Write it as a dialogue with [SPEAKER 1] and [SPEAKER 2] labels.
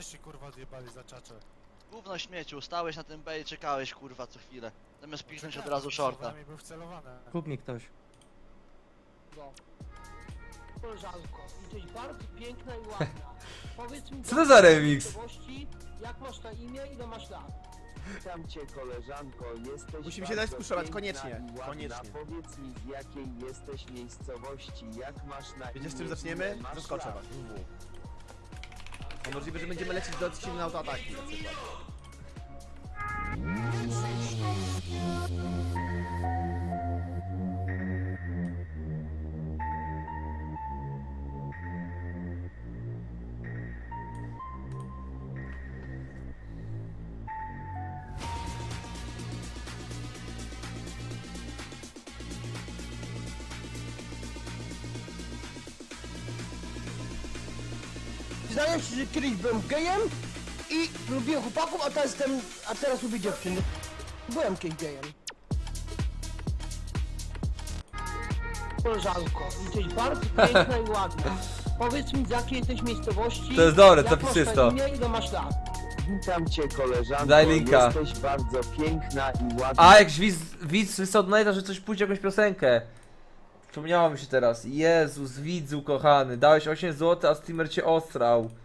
[SPEAKER 1] żeście kurwa odjebali za czacze?
[SPEAKER 2] Gówno śmieciu, stałeś na tym B i czekałeś kurwa co chwilę. Zamiast piknąć od
[SPEAKER 1] Czekałem,
[SPEAKER 2] razu shorta.
[SPEAKER 1] słowami był wcelowany.
[SPEAKER 3] Kup mi ktoś.
[SPEAKER 4] No. Koleżanko, jesteś bardzo piękna i ładna. Powiedz mi,
[SPEAKER 3] Co to za remix?
[SPEAKER 4] jak masz na imię, ile masz lat?
[SPEAKER 5] Witam cię koleżanko, jesteś
[SPEAKER 6] Musimy się dać
[SPEAKER 5] bardzo
[SPEAKER 6] spuszować,
[SPEAKER 5] piękna
[SPEAKER 6] koniecznie,
[SPEAKER 5] i ładna.
[SPEAKER 6] koniecznie.
[SPEAKER 5] Powiedz mi z jakiej jesteś miejscowości, jak masz na
[SPEAKER 6] Wiecie z
[SPEAKER 5] imię,
[SPEAKER 6] czym zaczniemy?
[SPEAKER 5] ile masz
[SPEAKER 6] Zaskoczę
[SPEAKER 5] lat?
[SPEAKER 6] was. No możliwe, że będziemy lecieć do silne autoataki na przykład.
[SPEAKER 4] Zdaje się, że kiedyś byłem gejem i lubiłem chłopaków, a teraz lubię dziewczyny. Byłem kiedyś gejem. Koleżanko, jesteś bardzo piękna i ładna. Powiedz mi z jakiej jesteś miejscowości.
[SPEAKER 3] To jest dobre,
[SPEAKER 4] jak
[SPEAKER 3] to
[SPEAKER 4] masz
[SPEAKER 3] piszesz
[SPEAKER 4] na
[SPEAKER 3] to.
[SPEAKER 4] imię, ile masz lat?
[SPEAKER 5] Witam cię koleżanko,
[SPEAKER 3] Daj linka.
[SPEAKER 5] jesteś bardzo piękna i ładna.
[SPEAKER 3] A, jak widz wysłał donata, że coś pójdzie, jakąś piosenkę. Przypomniało mi się teraz. Jezus, widzu kochany, dałeś 8 zł, a streamer cię ostrał.